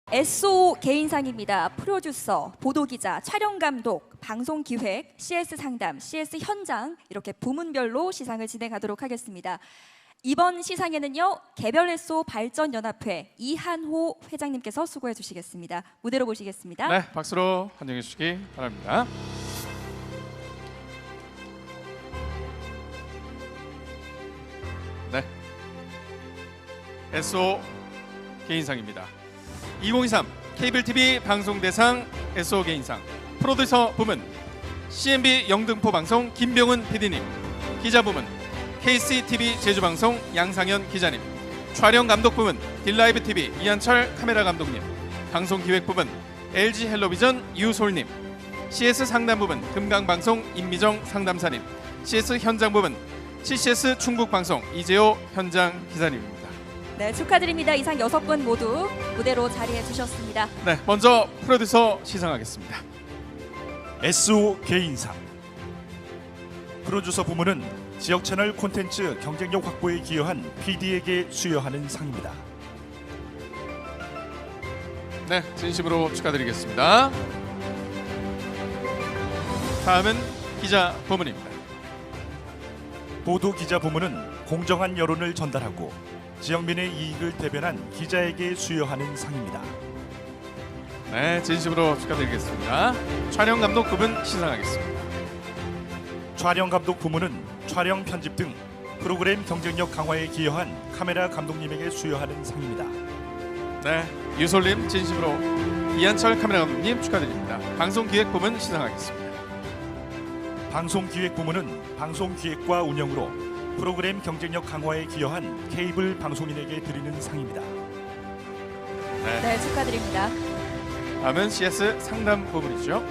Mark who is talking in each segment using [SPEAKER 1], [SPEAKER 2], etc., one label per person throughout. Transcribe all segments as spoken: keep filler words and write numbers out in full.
[SPEAKER 1] 에스오 개인상입니다. 프로듀서, 보도기자, 촬영감독, 방송기획, 씨에스 상담, 씨에스 현장 이렇게 부문별로 시상을 진행하도록 하겠습니다. 이번 시상에는요, 개별 에스오 발전연합회 이한호 회장님께서 수고해 주시겠습니다. 무대로 모시겠습니다.
[SPEAKER 2] 네, 박수로 환영해 주시기 바랍니다. 네, 에스오 개인상입니다. 이천이십삼 케이블티비 방송대상 에스오 개인상 프로듀서 부문 씨엔비 영등포 방송 김병훈 피디님, 기자 부문 케이씨티비 제주방송 양상현 기자님, 촬영 감독 부문 딜라이브 티비 이한철 카메라 감독님, 방송 기획 부문 엘지 헬로비전 유솔님, 씨에스 상담 부문 금강방송 임미정 상담사님, 씨에스 현장 부문 씨씨에스 충북방송 이재호 현장 기자님입니다.
[SPEAKER 1] 네, 축하드립니다. 이상 여섯 분 모두 무대로 자리해 주셨습니다.
[SPEAKER 2] 네, 먼저 프로듀서 시상하겠습니다.
[SPEAKER 3] 에스오 개인상 프로듀서 부문은 지역 채널 콘텐츠 경쟁력 확보에 기여한 피디에게 수여하는 상입니다.
[SPEAKER 2] 네, 진심으로 축하드리겠습니다. 다음은 기자 부문입니다.
[SPEAKER 3] 보도 기자 부문은 공정한 여론을 전달하고 지역민의 이익을 대변한 기자에게 수여하는 상입니다.
[SPEAKER 2] 네, 진심으로 축하드리겠습니다. 촬영 감독 부문 시상하겠습니다.
[SPEAKER 3] 촬영 감독 부문은 촬영 편집 등 프로그램 경쟁력 강화에 기여한 카메라 감독님에게 수여하는 상입니다.
[SPEAKER 2] 네, 유솔님 진심으로, 이한철 카메라 감독님 축하드립니다. 방송 기획 부문 시상하겠습니다.
[SPEAKER 3] 방송 기획 부문은 방송 기획과 운영으로 프로그램 경쟁력 강화에 기여한 케이블 방송인에게 드리는 상입니다.
[SPEAKER 2] 네,
[SPEAKER 1] 네, 축하드립니다.
[SPEAKER 2] 다음은 씨에스 상담 부문이죠.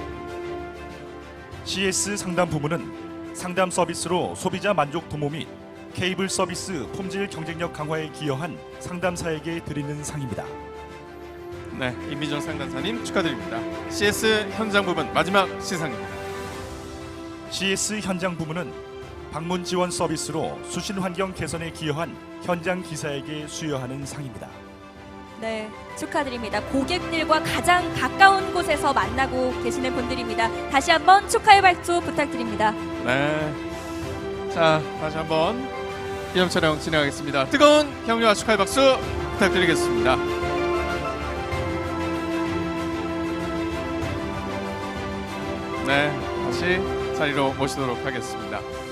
[SPEAKER 3] 씨에스 상담 부문은 상담 서비스로 소비자 만족 도모 및 케이블 서비스 품질 경쟁력 강화에 기여한 상담사에게 드리는 상입니다.
[SPEAKER 2] 네, 임미정 상담사님 축하드립니다. 씨에스 현장 부문 마지막 시상입니다.
[SPEAKER 3] 씨에스 현장 부문은 방문 지원 서비스로 수신 환경 개선에 기여한 현장 기사에게 수여하는 상입니다.
[SPEAKER 1] 네, 축하드립니다. 고객들과 가장 가까운 곳에서 만나고 계시는 분들입니다. 다시 한번 축하의 발표 부탁드립니다.
[SPEAKER 2] 네, 자 다시 한번 기념 촬영 진행하겠습니다. 뜨거운 격려와 축하의 박수 부탁드리겠습니다. 네, 다시 자리로 모시도록 하겠습니다.